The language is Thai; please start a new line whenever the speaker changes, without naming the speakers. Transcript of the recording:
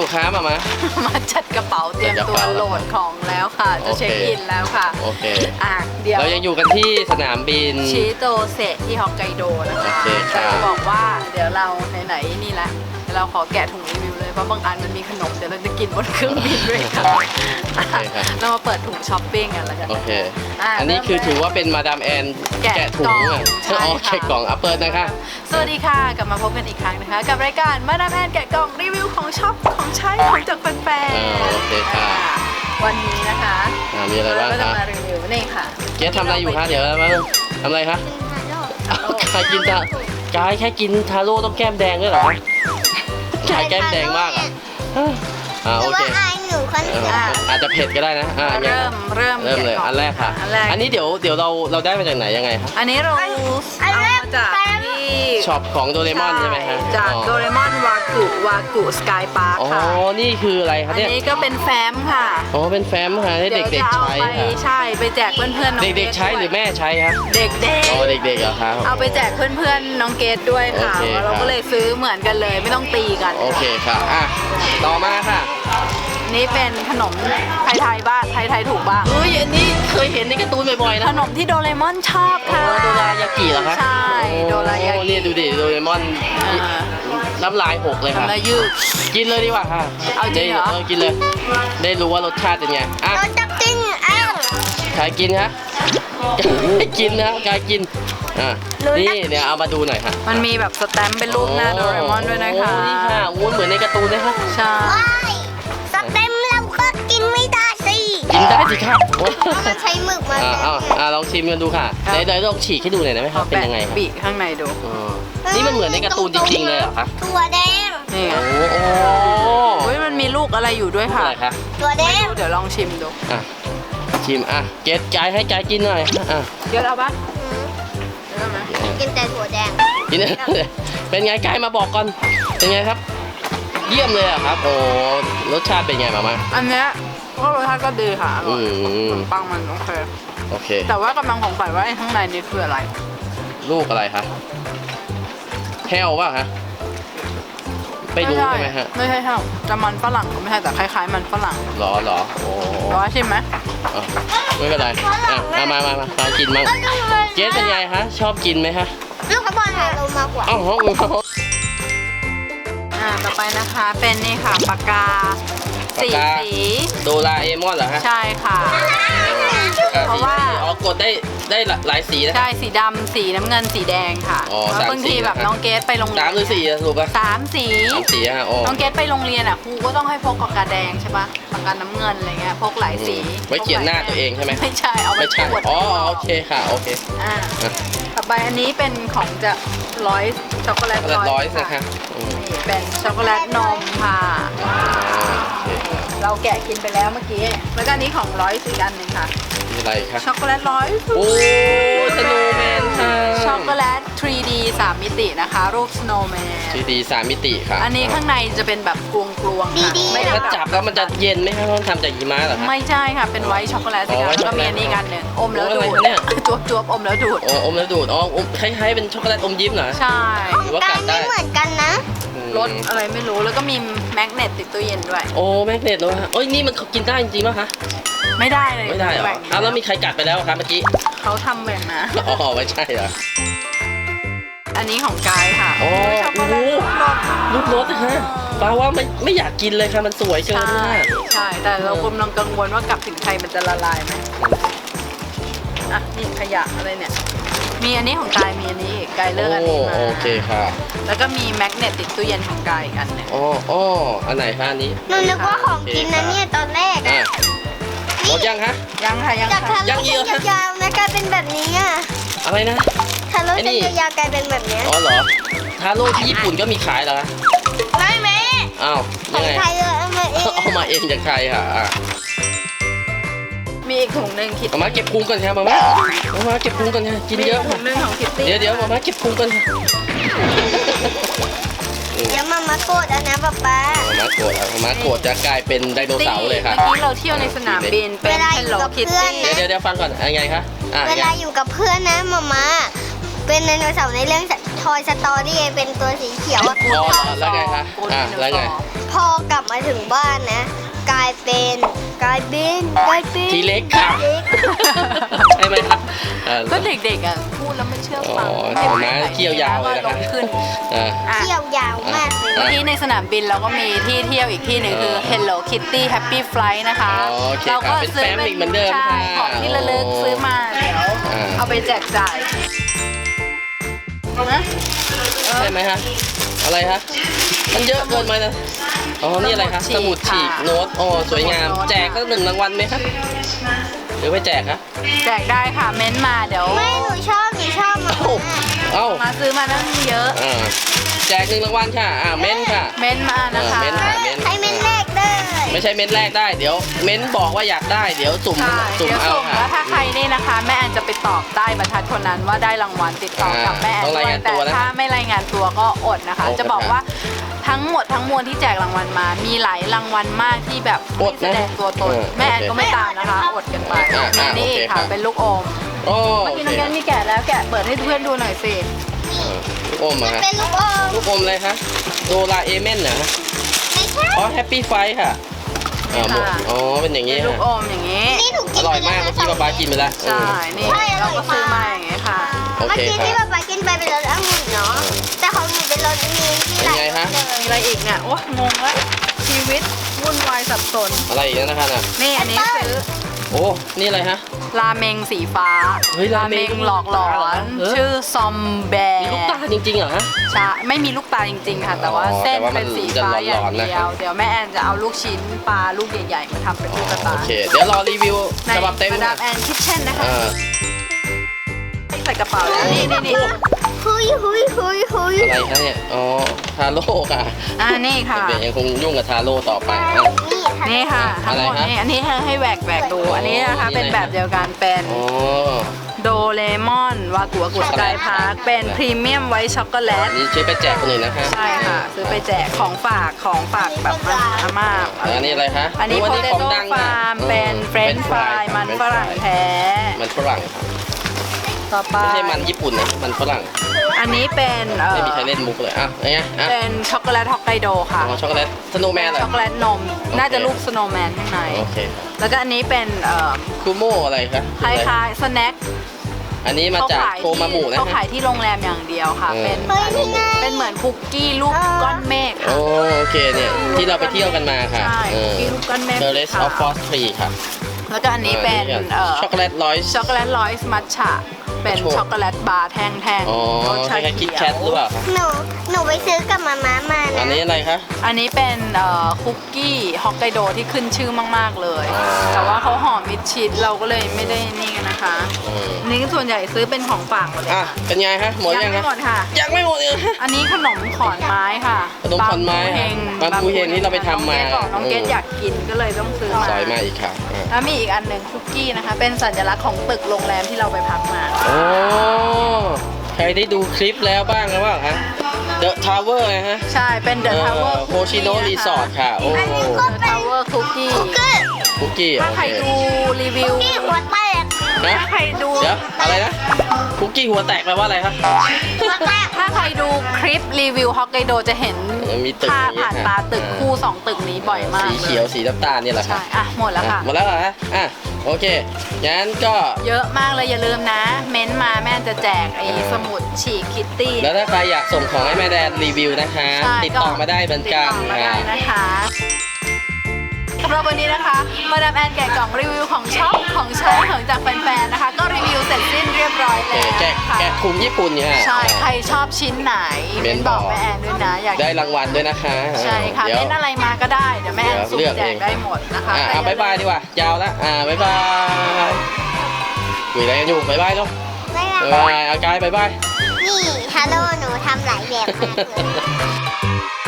อยู่ครับมา
มาจัดกระเป๋าเตรียมตัวโหลดของแล้วค่ะจะเช็คอินแล้วค่ะ
โอเค
เดี๋ยว
เรายังอยู่กันที่สนามบิน
ชิโตเซะที่ฮอกไกโดนะคะจะบอกว่าเดี๋ยวเราไหนๆนี่แหละเราขอแกะถุงรีวิวเลยเพราะบางอันมันมีขนมเดี๋ยวเราจะกินบนเครื่องบินด้วยค่ะเรามาเปิดถุงช้อปปิ้งกันแล้วกัน
โอเคอันนี้คือถือว่าเป็นมาดามแอนแกะถุงอ่ะอ๋อแกะกล่องเปิดนะคะ
สวัสดีค่ะกลับมาพบกันอีกครั้งนะคะกับรายการมาดามแอนแกะกล่องรีวิวของช็อปของใช้ของจากแฟน
ๆโอเคค่ะ
วันนี้นะคะ
มีอะไรบ้างคะ
เราจะมารีวิวนี่ค่ะ
เจ๊ทำอะไรอยู่คะเดี๋ยวมาทำอะไรคะใครกินกายแค่กินทาโร่ต้องแก้มแดงด้วยเหรอกายแก้มแดงมากอ่ะโอเคอาจจะเผ็ดก็ได้นะ
เริ่ม
เลยอันแรกค่ะอันนี้เดี๋ยวเราได้มาจากไหนยังไงครับ
อันนี้เราเอามาจากที่
ช็อปของโดเรมอนใช่ไหมฮะ
จากโดเรมอนวากุสกายพาร์คค่ะ
อ๋อนี่คืออะไรครับเนี่ย
อันนี้ก็เป็นแฟ้มค่ะ
อ๋อเป็นแฟ้มค่ะให้เด็กๆใช้ค่ะ
ใช่ไปแจกเพื่อนๆน้อง
เด็กๆใช้หรือแม่ใช้ครับ
เด็กๆ
อ๋อเด็กๆเหรอครับ
เอาไปแจกเพื่อนๆน้องเกดด้วยค่ะเราก็เลยซื้อเหมือนกันเลยไม่ต้องตีกัน
โอเคค่ะต่อมาค่ะ
นี่เป็นขนมไทยบ้างไทยถูกบ้าง
อันนี้เคยเห็นในการ์ตูนบ่อยๆนะ
ขนมที่โดเรมอนชอบค่ะ
โดรายากิเหรอคะ
ใช่โดรายากิ
นี่ดูดิโดเรมอนน้ำลายหกเลยค่ะ
ยืด
กินเลยดีกว่าค่ะ
เอาจริงเหรอ
กินเลยได้รู้ว่ารสชาติเป็นไง
เราจะกิน
ใครกินฮะกินนะกายกินนี่เนี่ยเอามาดูหน่อยค่ะ
มันมีแบบสแตมป์เป็นรูปหน้าโดเรมอนด้วยนะคะ
นี่ค่ะเหมือนในการ์ตูนเลยค่ะ
ใช่
สเต็มเราก็กินไม่ได้สิ
กินได้สิครับ
มันใช้หมึกมา
ลองชิมกันดูค่ะเดี๋ยวลองฉีกให้ดูหน่อยได้ไหมครับเป็นยังไง
บีข้างในดู
นี่มันเหมือนในการ์ตูนจริงๆเลยเหรอคะ
ตัวแดง
นี่โอ้ยมันมีลูกอะไรอยู่ด้วยค่ะ
ตัวแดง
เดี๋ยวลองชิมดู
ชิมเกดกายให้กายกินหน่อย
เกดเอาปะ
กินแต่ถั่วแดง
กินเป็นไงกายมาบอกก่อนเป็นไงครับเยี่ยมเลยครับโอ้รสชาติเป็นไงมา
อันเนี้ยก็รสชาติก็ดีค่ะปังมันโอเคแต่ว่ากำลังสงสัยว่าข้างในนี่คืออะไร
ลูกอะไรคะแฮวป่ะฮะไม่รู้ใช่ไหมฮะ
ไม่ใช่แฮวจะมันฝรั่งก็ไม่ใช่แต่คล้ายๆมันฝรั่ง
หรอโอ้
ร้อยชิมไหม
ไม่เป็นไรมากินมั้งเจ๊เป็นไงฮะชอบกินไหมฮะ
ลูกกระบอลเรามากกว่า
ต่อไปนะคะเป็นนี่ค่ะปากกาสี
โดราเอมอนเหรอฮะ
ใช่ค่ะเพราะว่
ากดได้หลายสีนะ
ใช่สีดำสีน้ำเงินสีแดงค่ะแล้วบางทีแบบน้องเกสไปโรงเรียน
3 หรือ 4ถูกป่ะ
3 สีน้องเกสไปโรงเรียนครูก็ต้องให้พกปากกาแดงใช่ป่ะปากกาน้ำเงินอะไรเงี้ยพกหลายสี
ไว้เขียนหน้าตัวเองใช่ไหม
ไม่ใช่เอาไว้
ใช่โอเคค่ะโอเค
ต่อไปอันนี้เป็นของจะร้อยช็อกโกแลต
ร้อยนะคะ
เป็นช็อกโกแลตนมค่ะเราแกะกินไปแล้วเมื่อกี้แล้วก็อันนี้ของร้อยสีอันหนึ่งค่ะ
อะไรคะ
ช็อกโกแลตร้อย
โอ้สโนว์แมนค่ะ
ช็อกโกแลต 3D 3 มิตินะคะรูปสโนว์แมน
3D 3 มิติค่ะ
อันนี้ข้างในจะเป็นแบบกลวงค่ะ
ไม่ถ้าจับแล้วมันจะเย็นไหมคะต้องทำจากหิมะเหรอคะ
ไม่ใช่ค่ะเป็นไวท์ช็อกโกแลตสีแล้วก็มีอันนี้กันหนึ่งอมแล้วดูดเนี่ยจวบอมแล้วดูด
อมแล้วดูดคล้ายๆเป็นช็อกโกแลตอมยิ้มเหรอ
ใช่
หรือว่ากัดได้
เหมือนกันนะ
รสอะไรไม่รู้แล้วก็มีแมกเนตติดตู้เย็นด้วย
โอ้แมกเนตด้วยโอ้ยนี่มันกินได้จริงๆป่ะคะ
ไม่ได้เลย
ไม่ได้เหรอแล้วมีใครกัดไปแล้วครับเมื่อกี้
เขาทำแบบนะ
ไม่ใช่เหรอ
อันนี้ของกายค่ะ
โอ้โหรูปรสนะฮะแปลว่าไม่อยากกินเลยค่ะมันสวยเกิน
ใช่แต่เรากำลังกังวลว่ากลับถึงไทยมันจะละลายไหมนี่ขยะอะไรเนี่ยมีอันนี้ของกายมีอันนี้กายเลือกอันนี้มา
โอเคค่ะ
แล้วก็มีแมกเนตติดตู้เย็นของกายอีกอันนึง
อันไหนคะอันนี้
หนูนึกว่าของกินนะเนี่ยตอนแรก
หมดยังคะ
ยังค่ะ
ยังเยอะยาวๆนะกลายเป็นแบบนี้
อะไรนะ
ทาโร่เส้นยาวๆกลายเป็นแบบนี้
เหรอทาโร่ที่ญี่ปุ่นก็มีขายเหรอ
ไม่แม่
ยังไง
เอา
มาเองจากใครค่ะ
มีอีกถุงหนึ่งคิด
มาเก็บพุงก่อนค่ะมาเก็บพุงก่อนค่ะกินเยอะ
ถุงหนึ่งของคิตตี้
เดี๋ยวมาเก็บพุงก่อน
เดี๋ยวมาโกรธนะป๊า
มาโกรธจะกลายเป็นไดโนเสาร์เลยค่ะ
เมื่อกี้เราเที่ยวในสนามบินเป็นHello Kitty
เดี๋ยวฟังก่อนยังไงคะ
เวลาอยู่กับเพื่อนนะมาเป็นไดโนเสาร์ในเรื่องทอยสตอรี่เป็นตัวสีเขียวอะ
อ๋อแล้วไงคะแล้วไง
พอกลับมาถึงบ้านนะ กลายเป็น
ทีเล็กค่ะ
เล็ก
ใช่ไหมครับ
ก็เด็กๆอ่ะพูดแล้วไม่เชื่อฟัง
อ๋อเห็นไหมเขี้ยวยาวเลยนะคะ
ก็ขึ้น
อ่า
อ่ะ
เที่ยวยาวมากเลย
เมื่อกี้ในสนามบินเราก็มีที่เที่ยวอีกที่หนึ่งคือ Hello Kitty Happy Flight นะคะ
อ๋อโอเค
เราก็
ค่ะเป็นแฟ้มอีกเหมือนเดิม
ใช่
ค่ะ
ของที่ระลึกซื้อมาเดี๋ยว เอาไปแจกจ่ายนะ
ใช่ไหมฮะอะไรฮะมันเยอะเกินไปนะอ๋อนี่อะไรคะสมุดฉีกโน้ตอ๋อสวยงามแจกสัก1 รางวัลไหมครับหรือไม่แจกคะ
แจกได้ค่ะเม้นต์มาเดี๋ยว
ไม่หนูชอบมา
เอ้า
มาซื้อมาตั้งเยอะ
แจก1 รางวัลค่ะเม้นค่ะ
เม้นต์มานะคะ
เม้นต์ค่ะ
ให้เม็นแรกได้
ไม่ใช่เม้นแรกได้เดี๋ยวเม้นบอกว่าอยากได้เดี๋ยวสุ่ม
ใช่
สุ่ม
เดี๋ยว
เอา
สุ่ม
ค่ะ
แล้วถ้าใครนี่นะคะ แม่แอนจะไปตอบใต้บรรทัดคนนั้นว่าได้รางวัลติดต่อกับแม่แอน
ต้อง
ด้
รา
วย
งาน
แต่
ตัวนะ
ถ้าไม่รายงานตัวก็อดนะคะ
อด
จะบอก
นะครับ
ว่าทั้งหมดทั้งมวลที่แจกรางวัลมา มีหลายรางวัลมากที่แบบ
อ
ไม่
ดนะ
แสดงตัวตน แม่แอนก็ไม่ตามนะคะอดกันไป นี่
โอเค
ค่ะ
ครับ
เป็นลูกอม
โอ้
เมื่อ
โอ
กี้
เค
น้องแกนมีแกะแล้วแกะเปิดให้เพื่อนดูหน่อยสิ
ลูกอมเหรอฮะ
เป็นลูกอม
ลูกอมอะไรคะโดราเอเมนเหรอฮะ
ไม่ใช่
อ๋อแฮปปี้ไฟค่ะหมดอ๋อเป็นอย่าง
เป็
นี้
นลูก
ฮะ
อมอย่างนี้
นี่หนู
อ
กิน
ร่อยมากเมื่อกี้ป๊ากินไปแล้ว
ใช่ นี่เราก็ซื้อมาอย่างนี้ค่ะ
โอ
เมื่อ
เค
กี้
ค
ที่
รับ
ป๊ากินไปเป็นรสองุ่นเนาะแต่ของหนูเป็นรสมีที่
เป็นไงฮะ
มีอะไรอีกเนี่ย โอ้งงแล้วชีวิตวุ่นวายสับสน
อะไรอีกนะคะน่ะ
นี่อันนี้ซื้อ
โอ้นี่อะไรฮะ
ราเมงสีฟ้า
เฮ้ยราเมง
หลอกหลอน
เออ
ชื่อซอมแบร์
มีลูกตาจริงๆเหรอฮะ
ใช่ไม่มีลูกตาจริงๆค่ะ แต่ว่า
อ๋อ
เส้น
แต่ว่ามัน
เป็นสีฟ้า
จะ
อย่าง
หลอนๆนะ
เดียว เดี๋ยวแม่แอนจะเอาลูกชิ้นปลาลูกใหญ่ๆมาทำเป็นตุ๊กตา
โอเคเดี๋ยวรอรีวิว
ใน
ฉบับเต็ม
มาดามแอนคิทเช่นนะคะ
อ่า
ใส่กระเป๋าแล้วนี่
หุย
อะไรคะเนี่ยอ๋อทาโร่ค่ะ
นี่ค่ะ
เดี๋ยวยังคงยุ่งกับทาโร่ต่อไปอ่ะ
นี่ค่ะทั้งหมด
อะไรฮะ
นี่อันนี้ให้แหวกดู อันนี้นะคะ
นี่
เป็น
อะไร
แบบเดียวกันเป็น
อ๋อ
โดเรมอนวากุสกายพาร์คเป็นพรีเมียมไวท์ช็อกโกแลต
นี่ช่วยไปแจกคนอื่นนะคะ
ใช่ค่ะ ซื้อไปแจกของฝากแบบอาม่า
อันนี้อะไรคะ
อันนี้โพเต
ของ
โต้
ดัง
ฟาร์มเป็นเฟรนช์ฟรายมันฝรั่งแท้
มันฝรั่งครับ
ต่อไป
ไม่ใช่มันญี่ปุ่นนะมันฝรั่ง
อันนี้เป็น
ไม่มีใครเล่นมุกเลยอ่ะไงอ่ะ
เป็นช็อกโกแลตฮอกไกโดค่ะ
อ๋อช็อกโกแลตสโนว์แมนเหรอ
ช็อกโกแลตนม น่าจะรูปสโนว์แมนข้างใน
โอเค
แล้วก็อันนี้เป็น
คูโมอะไรคะ
คล้ายๆสแน็ค
อันนี้มาจากโทมามุนะ
เขา
ฮะ
ขายที่โรงแรมอย่างเดียวค่ะ เป็น
เฮ้ยนี่ไง
เป็นเหมือนคุกกี้รูปก้อนเมฆ
โอ้
ค่ะ
โอเคเนี่ยที่เราไปเที่ยวกันมาค่ะ
ใช่คุกกี้รูปก้อนเมฆ
The Rest of Frost Tree ค่ะ
แล้วก็อันนี้เป็น
ช็อกโกแลตร้อย
ช็อกโกแลตร้อยส์มัทฉะเป็นช็อกโกแลตบาร์แท่ง
อ๋อ
ๆรส
ค
ชา
ล้ายๆคิ
เขี
ด
ยว
แคทหรือเปล่าคะ
หนูไปซื้อกับมาม่ามา
อัน
นะ
นี้อะไรคะ
อันนี้เป็นคุกกี้ฮอกไกโดที่ขึ้นชื่อมากๆเลย
อ๋อ
แต่ว่าเขาห่อมิดชิดเราก็เลยไม่ได้นี่กันนะคะ
อืม
อันนี้ส่วนใหญ่ซื้อเป็นของฝากหมดเลย
อ่ะ
ค่ะ
เป็นไงฮะหมด
ยั
ยัง
ไม่
ฮะ
หมดค่ะ
ยังไม่หมดเลย
อันนี้ขนมขอนไม้ค่ะ
ขนมขอนไม้
บางปูเฮง
บางปูเฮงที่เราไปทำมา
น้องเกดอยากกินก็เลยต้องซื้อมา
ซอยมาอีกค่ะอ่ะ
แล้วมีอีกอันหนึ่งคุกกี้นะคะ เป็นสัญลักษณ์ของตึกโรงแรมที่เราไปพักมา
โอ้ใครได้ดูคลิปแล้วบ้างหรือเปล่าฮะ The Tower นะฮะ
ใช่เป็นเดอะทาวเวอร์
โคชิโนรีสอร์ทค่ะ โอ้
เดอะทาวเวอร์คุกกี้
คุกกี้
ถ้า
โอ
ใคร
เค
ดูรีวิว
ที่หัวแตก
นะ
ถ้าใครดู
เดี๋ยวอะไรนะ คุกกี้หัวแตกแปลว่าอะไรครับ
หัวแตก
ถ้าใครดูคลิปรีวิวฮอกไกโดจะเห็น
มีตึก
ภาพ
อย่างเงี้ย
ผ่านตาตึกคู่ 2 ตึกนี้บ่อยมาก
สีเขียวสีน้ำตาลนี่แหละค่ะ
ใช่อ่ะหมดแล้วค่ะ
หมดแล้วเหรอฮะอ่ะโอเคงั้นก็
เยอะมากเลยอย่าลืมนะ เม้นต์มาแม่จะแจกไอ้สมุดฉีกคิตตี้
แล้วถ้าใครอยากส่งของให้แม่แดนรีวิวนะคะ
ใช่
ติดต่อมาได้เหมือนกัน
ติดต่อมาได้
ค่ะ
นะคะสำหรับวันนี้นะคะมาดามแอนแกะกล่องรีวิวของช็อปของใช้ของจากแฟนๆนะคะ ก็รีวิวเสร็จสิ้นเรียบร้อย
โอเค
แล้ว
แกะ
ค่ะ
แกะถุงญี่ปุ่นเนี่ยฮะ
ใช่ใครชอบชิ้นไหน
เม้
เม้น
น
บบ อ
อก ก
แม่แอนด้วยนะอยาก
ได้รางวัลด้วยนะคะ
ใช่ค่ะ
เดี๋ยว
เม้นอะไรมาก็ได้เดี๋ยวแม่แอนสุ่ม
เลือก
แจ
เอก ง
ได้หมดนะคะ
อ่ะบ๊ายบายดีกว่า ยาวแล้วบ๊ายบายคุยอะไรกันอยู่บ๊ายบายลูก
ไม่
บ๊าย
เป็นไร
บายเอากายบ๊ายบาย
นี่ฮัลโหลหนูทำหลายแบบมากเลย